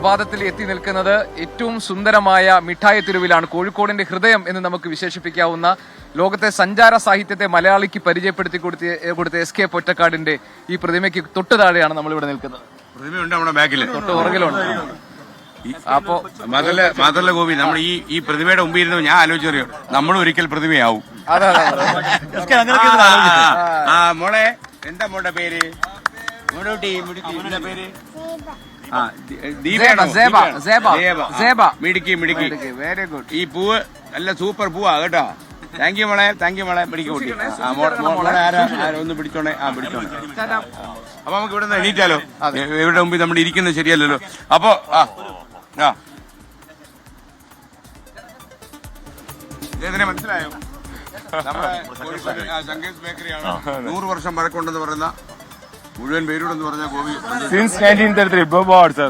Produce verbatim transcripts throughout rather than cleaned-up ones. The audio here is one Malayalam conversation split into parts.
പ്രഭാതത്തിൽ എത്തി നിൽക്കുന്നത് ഏറ്റവും സുന്ദരമായ മിഠായി തെരുവിലാണ്. കോഴിക്കോടിന്റെ ഹൃദയം എന്ന് നമുക്ക് വിശേഷിപ്പിക്കാവുന്ന ലോകത്തെ സഞ്ചാര സാഹിത്യത്തെ മലയാളിക്ക് പരിചയപ്പെടുത്തി കൊടുത്ത കൊടുത്ത എസ് കെ പൊറ്റക്കാടിന്റെ ഈ പ്രതിമയ്ക്ക് തൊട്ട് താഴെയാണ് നമ്മളിവിടെ നിൽക്കുന്നത്. പ്രതിമയുണ്ട് നമ്മുടെ ബാക്കില്, തൊട്ട് പുറകിലുണ്ട്. അപ്പോ മാത്രല്ല മാത്രല്ല ഗോപി, നമ്മൾ ഈ ഈ പ്രതിമയുടെ മുമ്പിൽ ഇരുന്ന് ഞാൻ ആലോചിച്ചറിയോ, നമ്മളും ഒരിക്കൽ പ്രതിമയാവും. അതെ ആ മോളെ, എന്താ മോളുടെ പേര്? മോളൂട്ടി എന്താ പേര്? മിടുക്കി മിടുക്കി, വെരി ഗുഡ്. ഈ പൂവ് നല്ല സൂപ്പർ പൂവാ കേട്ടോ. താങ്ക് യു മോളെ, താങ്ക് യു മോളെ. മിടുക്കി കൂട്ടി. മോളെ ആരാ ആരോ ഒന്ന് പിടിച്ചോണേ. ആ പിടിച്ചോണേ. അപ്പൊ നമുക്ക് ഇവിടെ നിന്ന് എണീറ്റാലോ? ഇവിടെ മുമ്പിൽ നമ്മൾ ഇരിക്കുന്നത് ശരിയല്ലല്ലോ. അപ്പൊ ആ ആ ഇദ്ദേഹത്തിനെ മനസ്സിലായോ? നമ്മുടെ ശങ്കേഴ്സ് ബേക്കറിയാണ്. നൂറ് വർഷം പഴക്കമുണ്ടെന്ന് പറയുന്ന മുഴുവൻ പേരോടെന്ന് പറഞ്ഞ Gopi. Since nineteen thirty three blue board sir.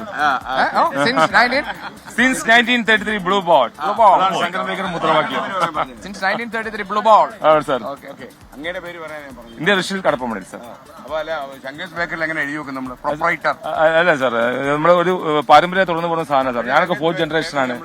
Since nineteen thirty three blue board. Shankar Baker മുദ്രാവാക്യം. Since nineteen thirty three blue board. Sir അങ്ങയുടെ പേര് പറയാൻ ഞാൻ പറഞ്ഞു. ഇന്ത്യ റഷ്യയിൽ കടപ്പമണി സർ. അപ്പൊ അല്ല, ശങ്കേഴ്സ് ബേക്കറിൽ എങ്ങനെ എഴുതി വെക്കും നമ്മള്? പ്രൊപ്പറൈറ്റർ അല്ല സാർ, നമ്മുടെ ഒരു പാരമ്പര്യം തുടർന്ന് പോകുന്ന സാധനം സാർ. ഞാനൊക്കെ ഫോർത്ത് ജനറേഷൻ ആണ്.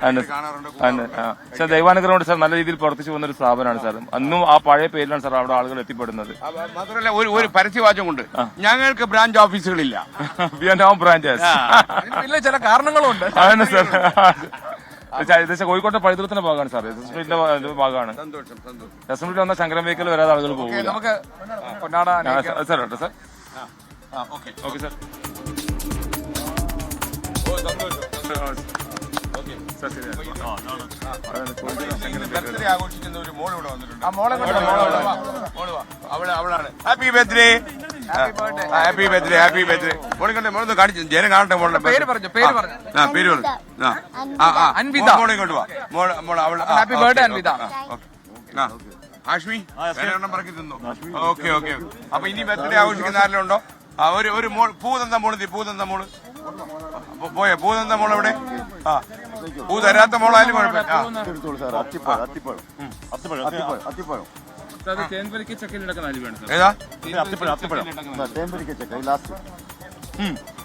സാർ ദൈവാനുഗ്രഹം കൊണ്ട് സാർ നല്ല രീതിയിൽ പ്രവർത്തിച്ചു പോകുന്ന ഒരു സ്ഥാപനമാണ് സാർ. അന്നും ആ പഴയ പേരിലാണ് സാർ അവിടെ ആളുകൾ എത്തിപ്പെടുന്നത്. മാത്രമല്ല ഒരു ഒരു പരസ്യവാചം കൊണ്ട് ഞങ്ങൾക്ക് ബ്രാഞ്ച് ഓഫീസുകളില്ല. ബ്രാഞ്ചസ് ഇല്ല, ചില കാരണങ്ങളുണ്ട്. അതാണ് സാർ. ഏകദേശം കോഴിക്കോട്ടെ പൈതൃകത്തിന്റെ ഭാഗമാണ് സാർ. എസ് എസ് സ്ട്രീറ്റിന്റെ ഭാഗമാണ്. എസ് എസ് സ്ട്രീറ്റ് വന്ന ശങ്കരൻ ബേക്കറിൽ വരാതെ ആളുകൾ പോകും. നമുക്ക് കൊണ്ടാടാൻ സാർ കേട്ടോ സാർ. Okay sir. ആഘോഷിക്കുന്ന ഒരു മോൾ ഇവിടെ വന്നിട്ടുണ്ട്. ആ മോളെ അവളാണ്. Happy birthday, happy birthday, happy birthday. മോളെ കണ്ടേ, മോളൊന്ന് കാണിച്ചു ജനം കാണട്ടെ. മോളുടെ പേര് പറഞ്ഞു, പേര് പറഞ്ഞു. ആ പേര് പറഞ്ഞു. അൻവിത. മോളെ ഇങ്ങോട്ട് വാ. മോളെ മോളെ അവൾ. Happy birthday Anvitha. ആഷ്മി എണ്ണം പറക്കി തിന്നു. Okay okay. അപ്പൊ ഇനി ബർത്ത്ഡേ ആഘോഷിക്കുന്ന ആരെല്ലാം ഉണ്ടോ? ആ ഒരു ഒരു മോൾ, പൂ തന്ന മോള്, പൂ തന്ന മോള് പോയെ. പൂ തന്ന മോൾ എവിടെ? ആ പൂ തരാത്ത മോളായാലും കുഴപ്പമില്ല. ഏതാ?